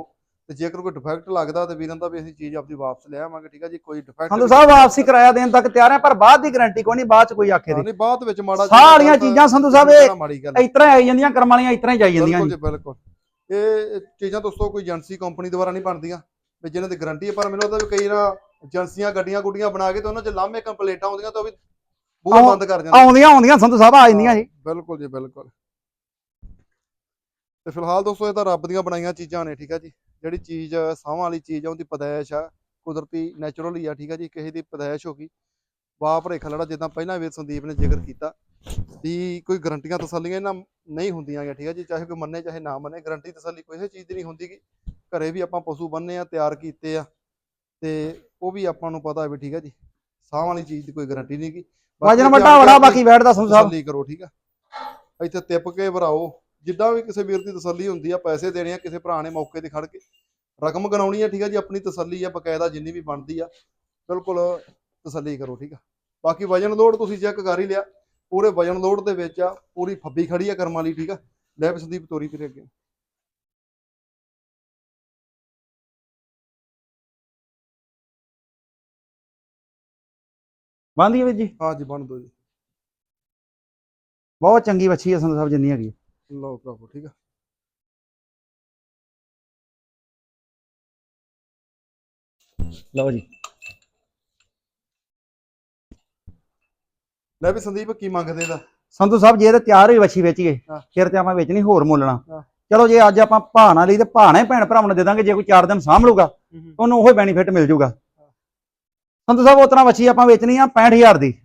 Speaker 1: ਤੇ ਜੇਕਰ ਕੋਈ ਡਿਫੈਕਟ ਲੱਗਦਾ ਤੇ ਵੀਰਾਂ ਦਾ ਵੀ ਅਸੀਂ ਚੀਜ਼ ਆਪਦੀ ਵਾਪਸ ਲੈ ਆਵਾਂਗੇ। ਠੀਕ ਆ ਜੀ, ਕੋਈ ਡਿਫੈਕਟ
Speaker 2: ਸੰਧੂ ਸਾਹਿਬ ਵਾਪਸੀ ਕਿਰਾਇਆ ਦੇਣ ਤੱਕ ਤਿਆਰ ਆ, ਪਰ ਬਾਅਦ ਦੀ ਗਾਰੰਟੀ ਕੋਈ ਨਹੀਂ, ਬਾਅਦ ਚ ਕੋਈ ਆਖੇ ਦੇ
Speaker 1: ਨਹੀਂ ਬਾਅਦ ਵਿੱਚ ਮਾੜਾ
Speaker 2: ਸਾਰੀਆਂ ਚੀਜ਼ਾਂ ਸੰਧੂ ਸਾਹਿਬ ਇਹ
Speaker 1: ਮਾੜੀ ਗੱਲ
Speaker 2: ਇਸ ਤਰ੍ਹਾਂ ਆਈ ਜਾਂਦੀਆਂ, ਕਰਮ ਵਾਲੀਆਂ ਇਸ ਤਰ੍ਹਾਂ ਹੀ ਜਾਈ ਜਾਂਦੀਆਂ
Speaker 1: ਬਿਲਕੁਲ ਜੀ ਬਿਲਕੁਲ। ਇਹ ਚੀਜ਼ਾਂ ਦੋਸਤੋ ਕੋਈ ਏਜੰਸੀ ਕੰਪਨੀ ਦੁਆਰਾ ਨਹੀਂ ਬਣਦੀਆਂ ਵੀ ਜਿਹਨਾਂ ਦੀ ਗਾਰੰਟੀ ਹੈ, ਪਰ ਮੈਨੂੰ ਲੱਗਦਾ ਵੀ ਕਈ ਨਾ ਏਜੰਸੀਆਂ ਗੱਡੀਆਂ ਗੁੱਡੀਆਂ ਬਣਾ ਕੇ ਤੇ ਉਹਨਾਂ 'ਚ ਲਾਮੇ ਕੰਪਲੇਂਟਾਂ ਆਉਂਦੀਆਂ ਤਾਂ ਉਹ ਵੀ ਬੂਹਾ ਬੰਦ ਕਰ ਜਾਂਦੇ।
Speaker 2: ਆਉਂਦੀਆਂ ਆਉਂਦੀਆਂ ਸੰਧੂ ਸਾਹਿਬ ਆ ਜਾਂਦੀਆਂ ਜੀ।
Speaker 1: ਬਿਲਕੁਲ ਜੀ ਬਿਲਕੁਲ। ਤੇ ਫਿਲਹਾਲ ਦੋਸਤੋ ਇਹ ਤਾਂ ਰੱਬ ਦੀਆਂ ਬਣਾਈਆਂ ਚੀਜ਼ਾਂ ਨੇ। ਠੀਕ ਆ ਜੀ, ਜਿਹੜੀ ਚੀਜ਼ ਸਾਹਾਂ ਵਾਲੀ ਚੀਜ਼ ਆ ਉਹਦੀ ਪੈਦਾਇਸ਼ ਆ, ਕੁਦਰਤੀ ਨੈਚੁਰਲ ਹੀ ਆ। ਠੀਕ ਆ ਜੀ, ਕਿਸੇ ਦੀ ਪੈਦਾਇਸ਼ ਹੋ ਗਈ ਵਾਹ ਭਰੇਖਾ ਲੜਾ, ਜਿੱਦਾਂ ਪਹਿਲਾਂ ਵੀਰ ਸੰਦੀਪ ਨੇ ਜ਼ਿਕਰ ਕੀਤਾ ਵੀ ਕੋਈ ਗਰੰਟੀਆਂ ਤਸੱਲੀਆਂ ਇਹਨਾਂ ਨਹੀਂ ਹੁੰਦੀਆਂ ਗਾ। ਠੀਕ ਆ ਜੀ, ਚਾਹੇ ਕੋਈ ਮੰਨੇ ਚਾਹੇ ਨਾ ਮੰਨੇ, ਗਰੰਟੀ ਤਸੱਲੀ ਕੋਈ ਚੀਜ਼ ਦੀ ਨਹੀਂ ਹੁੰਦੀ ਗੀ। ਘਰੇ ਵੀ ਆਪਾਂ ਪਸ਼ੂ ਬੰਨੇ ਆ, ਤਿਆਰ ਕੀਤੇ ਆ, ਤੇ ਉਹ ਵੀ ਆਪਾਂ ਨੂੰ ਪਤਾ ਵੀ ਠੀਕ ਆ ਜੀ ਸਾਹ ਵਾਲੀ ਚੀਜ਼ ਦੀ ਕੋਈ ਗਾਰੰਟੀ ਨਹੀਂ ਗੀ।
Speaker 2: ਵਜਨ ਵੱਡਾ ਬੜਾ ਬਾਕੀ ਬੈਠਦਾ ਸੰਧੂ ਸਾਹਿਬ
Speaker 1: ਤਸੱਲੀ ਕਰੋ। ਠੀਕ ਆ, ਇੱਥੇ ਤਿਪ ਕੇ ਭਰਾਓ, ਜਿੱਦਾਂ ਵੀ ਕਿਸੇ ਵੀਰ ਦੀ ਤਸੱਲੀ ਹੁੰਦੀ ਆ। ਪੈਸੇ ਦੇਣੇ ਆ, ਕਿਸੇ ਭਰਾ ਨੇ ਮੌਕੇ ਤੇ ਖੜ ਕੇ ਰਕਮ ਗਣਾਉਣੀ ਆ। ਠੀਕ ਆ ਜੀ, ਆਪਣੀ ਤਸੱਲੀ ਆ ਬਕਾਇਦਾ, ਜਿੰਨੀ ਵੀ ਬਣਦੀ ਆ ਬਿਲਕੁਲ ਤਸੱਲੀ ਕਰੋ। ਠੀਕ ਆ, ਬਾਕੀ ਵਜਨ ਲੋਡ ਤੁਸੀਂ ਚੈੱਕ ਕਰ ਹੀ ਲਿਆ, ਪੂਰੇ ਵਜਨ ਲੋਡ ਦੇ ਵਿੱਚ ਆ, ਪੂਰੀ ਫੱਬੀ ਖੜੀ ਆ ਕਰਮ ਵਾਲੀ। ਠੀਕ ਆ, ਲੈ ਵੀ ਸੰਦੀਪ ਤੋਰੀ ਫਿਰ ਅੱਗੇ।
Speaker 2: ਬੰਦੀ ਵੀਰ ਜੀ,
Speaker 1: ਹਾਂ ਜੀ ਬਣ ਦੋ ਜੀ।
Speaker 2: ਬਹੁਤ ਚੰਗੀ ਵੱਛੀ ਹੈ ਸੰਧੂ ਸਾਹਿਬ ਜਿੰਨੀ ਹੈਗੀ।
Speaker 1: ਲਓ ਭਰਾਵੋ, ਠੀਕ ਆ।
Speaker 2: ਲਓ ਜੀ,
Speaker 1: ਲੈ ਵੀ ਸੰਦੀਪ ਕੀ ਮੰਗਦੇ ਦਾ
Speaker 2: ਸੰਧੂ ਸਾਹਿਬ ਜੇ ਤੇ ਤਿਆਰ ਹੋਈ ਵੱਛੀ ਵੇਚੀਏ ਫਿਰ ਤੇ ਆਪਾਂ ਵੇਚਣੀ ਹੋਰ ਮੁੱਲਣਾ। ਚਲੋ ਜੇ ਅੱਜ ਆਪਾਂ ਭਾਅ ਨਾਲ ਲਈ ਤੇ ਭਾਅ ਨਾਲ ਭੈਣ ਭਰਾਵਾਂ ਨੂੰ ਦੇ ਦਾਂਗੇ। ਜੇ ਕੋਈ ਚਾਰ ਦਿਨ ਸਾਂਭ ਲੂਗਾ ਉਹਨੂੰ ਉਹ ਬੈਨੀਫਿਟ ਮਿਲ ਜੂਗਾ। ਸੰਧੂ ਸਾਹਿਬ ਉਸ ਤਰ੍ਹਾਂ ਵੱਛੀ ਆਪਾਂ ਵੇਚਣੀ ਆ ਪੈਂਹਠ ਹਜ਼ਾਰ ਦੀ,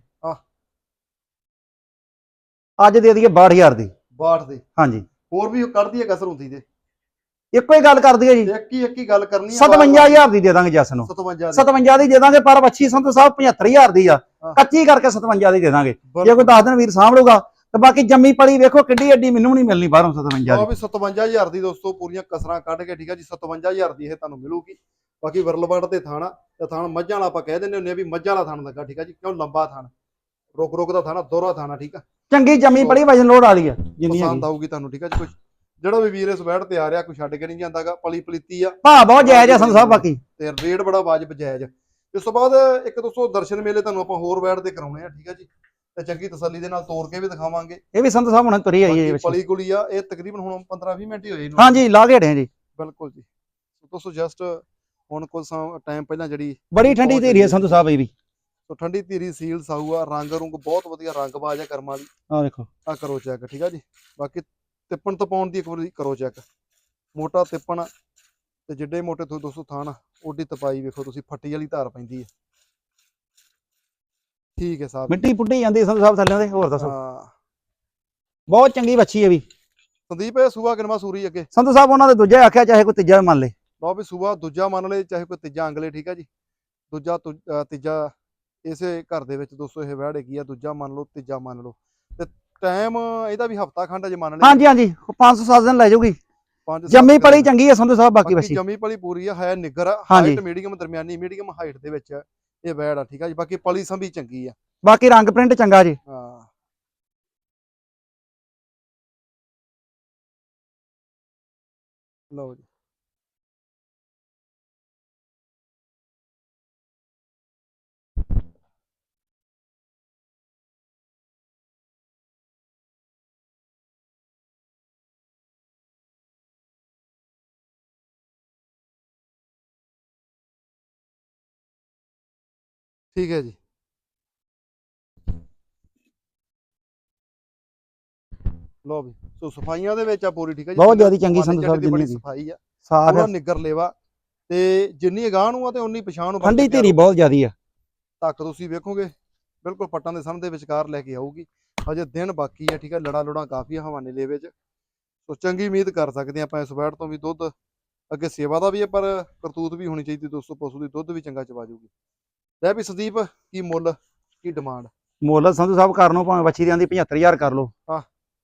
Speaker 2: ਅੱਜ ਦੇ ਦਈਏ ਬਾਹਠ ਹਜ਼ਾਰ ਦੀ।
Speaker 1: ਬਾਹਠ ਦੀ?
Speaker 2: ਹਾਂਜੀ,
Speaker 1: ਹੋਰ ਵੀ ਕੱਢਦੀ ਹੈ ਕਸਰ ਹੁੰਦੀ ਤੇ
Speaker 2: ਇੱਕੋ ਹੀ ਗੱਲ ਕਰ ਦਈਏ ਜੀ,
Speaker 1: ਇੱਕ ਹੀ ਇੱਕ ਹੀ ਗੱਲ ਕਰਨੀ ਆ।
Speaker 2: ਸਤਵੰਜਾ ਹਜ਼ਾਰ ਦੀ ਦੇ ਦਾਂਗੇ ਜੱਸ ਨੂੰ, ਸਤਵੰਜਾ ਦੀ ਦੇ ਦਾਂਗੇ। ਪਰ ਵੱਛੀ ਸੰਧੂ ਸਾਹਿਬ ਪਝੱਤਰ ਹਜ਼ਾਰ ਦੀ ਆ, ਕੱਚੀ ਕਰਕੇ ਸਤਵੰਜਾ ਦੀ ਦੇ ਦਾਂਗੇ। ਜੇ ਕੋਈ ਦਸ ਦਿਨ ਵੀਰ ਸਾਂਭ ਲੂਗਾ ਤੇ ਬਾਕੀ ਜੰਮੀ ਪਲੀ ਵੇਖੋ ਕਿੱਡੀ ਐਡੀ, ਮੈਨੂੰ ਨਹੀਂ ਮਿਲਣੀ ਬਾਹਰੋਂ ਸਤਵੰਜਾ ਦੀ।
Speaker 1: ਸਤਵੰਜਾ ਹਜ਼ਾਰ ਦੀ ਦੋਸਤੋ, ਪੂਰੀਆਂ ਕਸਰਾਂ ਕੱਢ ਕੇ। ਠੀਕ ਆ ਜੀ, ਸਤਵੰਜਾ ਹਜ਼ਾਰ ਦੀ ਇਹ ਤੁਹਾਨੂੰ ਮਿਲੂਗੀ। ਬਾਕੀ ਵਰਲਵੜ ਤੇ ਥਾਣਾ ਤੇ ਥਾਣ ਮੱਝਾਂ ਵਾਲਾ ਆਪਾਂ ਕਹਿ ਦਿੰਦੇ ਹੁੰਦੇ ਆ ਵੀ ਮੱਝਾਂ ਵਾਲਾ ਥਾਣ ਲੱਗਾ। ਠੀਕ ਆ ਜੀ, ਕਿਉਂ ਲੰਬਾ ਥਾਣ, ਰੁਕ ਰੁਕ ਦਾ ਥਾਣਾ, ਦੋਹਰਾ ਥਾਣਾ। ਠੀਕ ਆ,
Speaker 2: ਚੰਗੀ ਜੰਮੀ ਪਲੀ ਵਜਨ ਲੋਡ ਵਾਲੀ ਆ, ਜਿੰਨੀ
Speaker 1: ਪਸੰਦ ਆਊਗੀ ਤੁਹਾਨੂੰ। ਠੀਕ ਆ ਜੀ, ਕੁਝ ਜਿਹੜਾ ਵੀ ਵੀਰ ਇਸ ਵੈੜ ਤੇ ਆ ਰਿਹਾ ਕੋਈ ਛੱਡ ਕੇ ਨਹੀਂ ਜਾਂਦਾਗਾ। ਪਲੀ ਪਲੀਤੀ ਆ,
Speaker 2: ਭਾਅ ਬਹੁਤ ਜਾਇਜ਼ ਆ ਸੰਧੂ ਸਾਹਿਬ, ਬਾਕੀ
Speaker 1: ਤੇ ਰੇਟ ਬੜਾ ਵਾਜਬ ਜਾਇਜ਼। ਇਸ ਤੋਂ ਬਾਅਦ ਇੱਕ ਦੋਸਤੋ ਦਰਸ਼ਨ ਮੇਲੇ ਤੁਹਾਨੂੰ ਆਪਾਂ ਹੋਰ ਵੈੜ ਤੇ ਕਰਾਉਣੇ ਆ। ਠੀਕ ਆ ਜੀ, ਤੇ ਚੰਗੀ ਤਸੱਲੀ ਦੇ ਨਾਲ ਤੋੜ ਕੇ ਵੀ ਦਿਖਾਵਾਂਗੇ।
Speaker 2: ਇਹ ਵੀ ਸੰਧੂ ਸਾਹਿਬ ਹੁਣ ਤੁਰੀ ਆਈ ਹੈ
Speaker 1: ਪਲੀ ਗੁਲੀ ਆ, ਇਹ ਤਕਰੀਬਨ ਹੁਣ ਪੰਦਰਾਂ ਵੀਹ ਮਿੰਟ ਹੀ ਹੋਏ।
Speaker 2: ਹਾਂਜੀ, ਲਾ ਕੇ ਹਟੇ ਜੀ।
Speaker 1: ਬਿਲਕੁਲ ਜੀ ਦੋਸਤੋ, ਜਸਟ ਹੁਣ ਕੁਝ ਟਾਈਮ ਪਹਿਲਾਂ ਜਿਹੜੀ
Speaker 2: ਬੜੀ ਠੰਡੀ ਧੀਰੀ ਹੈ ਸੰਧੂ ਸਾਹਿਬ ਇਹ ਵੀ।
Speaker 1: ਸੋ ਠੰਡੀ ਧੀਰੀ ਸੀਲ ਸਾਊ ਆ, ਰੰਗ ਰੁੰਗ ਬਹੁਤ ਵਧੀਆ, ਰੰਗ ਬਾਜ ਆ ਕਰਮ ਵਾਲੀ।
Speaker 2: ਆ ਦੇਖੋ,
Speaker 1: ਆ ਕਰੋ ਚੈੱਕ। ਠੀਕ ਆ ਜੀ, ਬਾਕੀ ਤਿੱਪਣ ਤਪਾਉਣ ਦੀ ਇੱਕ ਵਾਰੀ ਕਰੋ ਚੈੱਕ। ਮੋਟਾ ਤਿੱਪਣ ਤੇ ਜਿੱਡੇ ਮੋਟੇ ਤੋਂ ਦੋਸਤੋ ਥਾਣ ਓਡੀ ਤਪਾਈ ਵੇਖੋ ਤੁਸੀਂ, ਫੱਟੀ ਵਾਲੀ ਧਾਰ ਪੈਂਦੀ ਹੈ। ਠੀਕ ਹੈ ਸਾਹਿਬ,
Speaker 2: ਮਿੱਟੀ ਪੁੱਟੀ ਜਾਂਦੀ ਸੰਧੂ ਸਾਹਿਬ ਥੱਲੇ ਦੇ। ਹੋਰ ਦੱਸੋ,
Speaker 1: ਹਾਂ
Speaker 2: ਬਹੁਤ ਚੰਗੀ ਵੱਛੀ ਹੈ ਵੀ।
Speaker 1: ਸੰਦੀਪ ਇਹ ਸੂਆ ਕਿਨਵਾ ਸੂਰੀ ਅੱਗੇ?
Speaker 2: ਸੰਧੂ ਸਾਹਿਬ ਉਹਨਾਂ ਦੇ ਦੂਜਾ ਆਖਿਆ, ਚਾਹੇ ਕੋਈ ਤੀਜਾ ਵੀ ਮੰਨ ਲੇ।
Speaker 1: ਲਓ ਵੀ ਸੂਆ ਦੂਜਾ ਮੰਨ ਲਏ, ਚਾਹੇ ਕੋਈ ਤੀਜਾ ਅੰਗਲੇ। ਠੀਕ ਆ ਜੀ, ਦੂਜਾ ਤੀਜਾ ਇਸੇ ਘਰ ਦੇ ਵਿੱਚ ਦੋਸਤੋ ਇਹ ਵੈੜ ਹੈਗੀ ਆ। ਦੂਜਾ ਮੰਨ ਲਓ, ਤੀਜਾ ਮੰਨ ਲਓ, ਤੇ ਟਾਈਮ ਇਹਦਾ ਵੀ ਹਫਤਾ ਖੰਡ ਜੇ ਮੰਨ ਲਏ।
Speaker 2: ਹਾਂਜੀ ਹਾਂਜੀ, ਪੰਜ ਸੌ ਸੱਤ ਦਿਨ ਲੈ ਜਾਊਗੀ। ਜੰਮੀ ਪਲੀ ਚੰਗੀ ਹੈ ਸੰਧੂ ਸਾਹਿਬ, ਬਾਕੀ ਵੱਛੀ
Speaker 1: ਜੰਮੀ ਪਲੀ ਪੂਰੀ ਆ, ਹੈ ਨਿੱਗਰ, ਹਾਈਟ ਮੀਡੀਅਮ, ਦਰਮਿਆਨੀ ਮੀਡੀਅਮ ਹਾਈਟ ਦੇ ਵਿੱਚ ਇਹ ਵੈੜ ਆ। ਠੀਕ ਆ ਜੀ, ਬਾਕੀ ਪਲੀ ਸੰਭੀ ਚੰਗੀ ਆ,
Speaker 2: ਬਾਕੀ ਰੰਗ ਪ੍ਰਿੰਟ ਚੰਗਾ ਜੀ।
Speaker 1: ਹਾਂ ਲਓ ਜੀ, ਠੀਕ ਹੈ ਜੀ। ਲਓ ਵੀ ਸੋ ਸਫਾਈਆਂ ਦੇ ਵਿੱਚ ਆ ਪੂਰੀ। ਠੀਕ ਹੈ ਜੀ,
Speaker 2: ਬਹੁਤ ਜ਼ਿਆਦਾ ਚੰਗੀ ਸੰਧੂ ਸਾਹਿਬ
Speaker 1: ਦੀ ਬੜੀ
Speaker 2: ਜਿੰਨੀ
Speaker 1: ਸਫਾਈ ਆ,
Speaker 2: ਸਾਫ
Speaker 1: ਪੂਰਾ ਨਿੱਗਰ ਲੇਵਾ, ਤੇ ਜਿੰਨੀ ਅਗਾਂਹ ਨੂੰ ਆ ਤੇ ਉਨੀ ਪਛਾਣ ਨੂੰ।
Speaker 2: ਠੰਡੀ ਧੀਰੀ ਬਹੁਤ ਜ਼ਿਆਦੀ ਆ,
Speaker 1: ਤੱਕ ਤੁਸੀਂ ਵੇਖੋਗੇ ਬਿਲਕੁਲ ਪੱਟਾਂ ਦੇ ਸਾਹਮਣੇ ਦੇ ਵਿਚਕਾਰ ਲੈ ਕੇ ਆਊਗੀ। ਅਜੇ ਦਿਨ ਬਾਕੀ ਆ। ਠੀਕ ਹੈ, ਲੜਾ ਲੁੜਾ ਕਾਫੀ ਹਵਾਨੇ ਲੇਵੇ ਚ, ਸੋ ਚੰਗੀ ਉਮੀਦ ਕਰ ਸਕਦੇ ਆਪਾਂ ਇਸ ਵੈੜ ਤੋਂ ਵੀ। ਦੁੱਧ ਅੱਗੇ ਸੇਵਾ ਦਾ ਵੀ ਹੈ, ਪਰ ਕਰਤੂਤ ਵੀ ਹੋਣੀ ਚਾਹੀਦੀ ਦੋਸਤੋ ਪਸ਼ੂ ਦੀ, ਦੁੱਧ ਵੀ ਚੰਗਾ ਚਵਾ ਜੂਗੀ। ਲੈ ਵੀ ਸੰਦੀਪ ਕੀ ਮੁੱਲ ਕੀ ਡਿਮਾਂਡ?
Speaker 2: ਮੁੱਲ ਸੰਧੂ ਸਾਹਿਬ ਕਰ ਲਓ, ਭਾਵੇਂ ਵੱਛੀ ਦੀ ਆਂਦੀ ਪਝੱਤਰ ਹਜ਼ਾਰ ਕਰ ਲਓ।
Speaker 1: ਹਾਂ,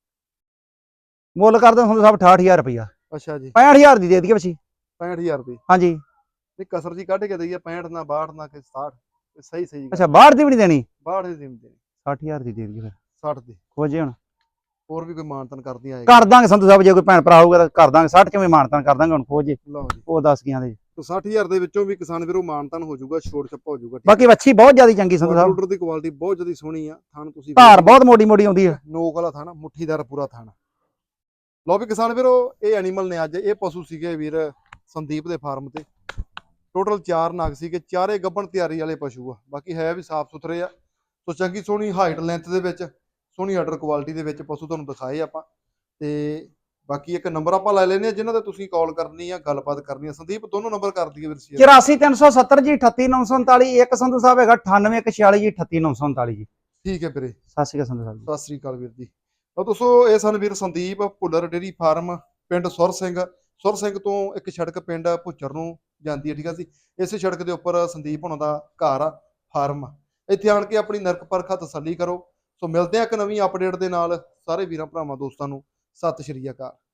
Speaker 2: ਮੁੱਲ ਕਰਦੇ ਸੰਧੂ ਸਾਹਿਬ ਅਠਾਹਠ ਹਜ਼ਾਰ ਰੁਪਇਆ।
Speaker 1: ਅੱਛਾ ਜੀ,
Speaker 2: ਪੈਂਹਠ ਹਜ਼ਾਰ ਦੀ ਦੇ ਦਈਏ ਵੱਛੀ।
Speaker 1: ਪੈਂਹਠ ਹਜ਼ਾਰ ਰੁਪਏ?
Speaker 2: ਹਾਂਜੀ,
Speaker 1: ਨਹੀਂ ਕਸਰ ਜੀ ਕੱਢ ਕੇ ਦਈਏ, ਪੈਂਹਠ ਨਾ ਬਾਹਠ ਨਾ ਕਿ ਸਤਾਹਠ, ਸਹੀ ਸਹੀ।
Speaker 2: ਅੱਛਾ, ਬਾਹਠ ਦੀ ਵੀ ਨਹੀਂ ਦੇਣੀ?
Speaker 1: ਬਾਹਠ ਦੀ ਨਹੀਂ ਦੇਣੀ,
Speaker 2: ਸੱਠ ਹਜ਼ਾਰ ਦੀ ਦੇ ਦਈਏ ਫਿਰ।
Speaker 1: ਸੱਠ ਦੀ
Speaker 2: ਖੋਜੇ ਹੁਣ
Speaker 1: ਹੋਰ ਵੀ ਕੋਈ ਮਾਨਤਨ ਕਰਦੀ ਆਏਗਾ
Speaker 2: ਕਰ ਦਾਂਗੇ ਸੰਧੂ ਸਾਹਿਬ, ਜੇ ਕੋਈ ਭੈਣ ਭਰਾ ਹੋਊਗਾ ਤਾਂ ਕਰ ਦਾਂਗੇ। ਸੱਠ ਚ ਵੀ ਮਾਨਤਨ ਕਰ ਦਾਂਗੇ ਹੁਣ ਖੋਜ
Speaker 1: ਲਓ ਜੀ
Speaker 2: ਉਹ ਦੱਸ ਗਿਆ ਦੇ।
Speaker 1: ਤੇ ਸੱਠ ਹਜ਼ਾਰ ਦੇ ਵਿੱਚੋਂ ਵੀ ਕਿਸਾਨ ਵੀਰੋ ਮਾਨਤਨ ਹੋ ਜਾਊਗਾ, ਛੋੜ ਛੱਪਾ ਹੋ ਜਾਊਗਾ। ਠੀਕ
Speaker 2: ਬਾਕੀ ਵੱਛੀ ਬਹੁਤ ਜ਼ਿਆਦਾ ਚੰਗੀ ਸੰਧੂ ਸਾਹਿਬ,
Speaker 1: ਆਰਡਰ ਦੀ ਕੁਆਲਿਟੀ ਬਹੁਤ ਜ਼ਿਆਦਾ ਸੋਹਣੀ ਆ। ਥਣ ਤੁਸੀਂ
Speaker 2: ਧਾਰ ਬਹੁਤ ਮੋਟੀ ਮੋਟੀ ਆਉਂਦੀ ਹੈ,
Speaker 1: ਨੋਕ ਵਾਲਾ ਥਣ, ਮੁੱਠੀਦਾਰ ਪੂਰਾ ਥਣ। ਲਓ ਵੀ ਕਿਸਾਨ ਵੀਰੋ ਇਹ ਐਨੀਮਲ ਨੇ ਅੱਜ, ਇਹ ਪਸ਼ੂ ਸੀਗੇ ਵੀਰ ਸੰਦੀਪ ਦੇ ਫਾਰਮ ਤੇ। ਟੋਟਲ ਚਾਰ ਨਗ ਸੀਗੇ, ਚਾਰੇ ਗੱਭਣ ਤਿਆਰੀ ਵਾਲੇ ਪਸ਼ੂ ਆ। ਬਾਕੀ ਹੈ ਵੀ ਸਾਫ ਸੁਥਰੇ ਆ। ਸੋ ਚੰਗੀ ਸੋਹਣੀ ਹਾਈਟ ਲੈਂਥ ਦੇ ਵਿੱਚ, ਸੋਹਣੀ ਆਰਡਰ ਕੁਆਲਿਟੀ ਦੇ ਵਿੱਚ ਪਸ਼ੂ ਤੁਹਾਨੂੰ ਦਿਖਾਏ ਆਪਾਂ। ਤੇ ਬਾਕੀ ਇੱਕ ਨੰਬਰ ਆਪਾਂ ਲੈ ਲੈਨੇ ਆ ਜਿਨ੍ਹਾਂ ਤੇ ਤੁਸੀਂ ਕਾਲ ਕਰਨੀ ਆ, ਗੱਲਬਾਤ ਕਰਨੀ ਆ। ਸੰਦੀਪ ਦੋਨੋਂ ਨੰਬਰ ਕਰ ਦਈਏ ਵੀਰ ਸੀ।
Speaker 2: ਚੁਰਾਸੀ ਤਿੰਨ ਸੌ ਸੱਤਰ ਜੀ, ਅਠੱਤੀ ਨੌ ਸੌ ਉਨਤਾਲੀ। ਇੱਕ ਸੰਧੂ ਸਾਹਿਬ ਹੈਗਾ ਅਠਾਨਵੇਂ ਇੱਕ ਛਿਆਲੀ ਜੀ, ਅਠੱਤੀ ਨੌ ਸੌ ਉਨਤਾਲੀ ਜੀ।
Speaker 1: ਠੀਕ ਹੈ ਵੀਰੇ,
Speaker 2: ਸਤਿ ਸ਼੍ਰੀ ਅਕਾਲ ਸੰਧੂ ਸਾਹਿਬ ਜੀ।
Speaker 1: ਸਤਿ ਸ੍ਰੀ ਅਕਾਲ ਵੀਰ ਜੀ। ਤਾਂ ਦੋਸਤੋ ਇਹ ਸਨ ਵੀਰ ਸੰਦੀਪ, ਭੁੱਲਰ ਡੇਰੀ ਫਾਰਮ, ਪਿੰਡ ਸੁਰ ਸਿੰਘ। ਸੁਰ ਸਿੰਘ ਤੋਂ ਇੱਕ ਸੜਕ ਪਿੰਡ ਭੁੱਚਰ ਨੂੰ ਜਾਂਦੀ ਹੈ, ਠੀਕ ਆ ਜੀ। ਇਸੇ ਸੜਕ ਦੇ ਉੱਪਰ ਸੰਦੀਪ ਹੁਣਾਂ ਦਾ ਘਰ ਆ, ਫਾਰਮ ਆ। ਇੱਥੇ ਆਣ ਕੇ ਆਪਣੀ ਨਰਕ ਪਰਖਾ ਤਸੱਲੀ ਕਰੋ। ਸੋ ਮਿਲਦੇ ਆ ਇੱਕ ਨਵੀਂ ਅਪਡੇਟ ਦੇ ਨਾਲ। ਸਾਰੇ ਵੀਰਾਂ ਭਰਾਵਾਂ ਦੋਸਤਾਂ ਨੂੰ ਸਤਿ ਸ਼੍ਰੀ ਅਕਾਲ।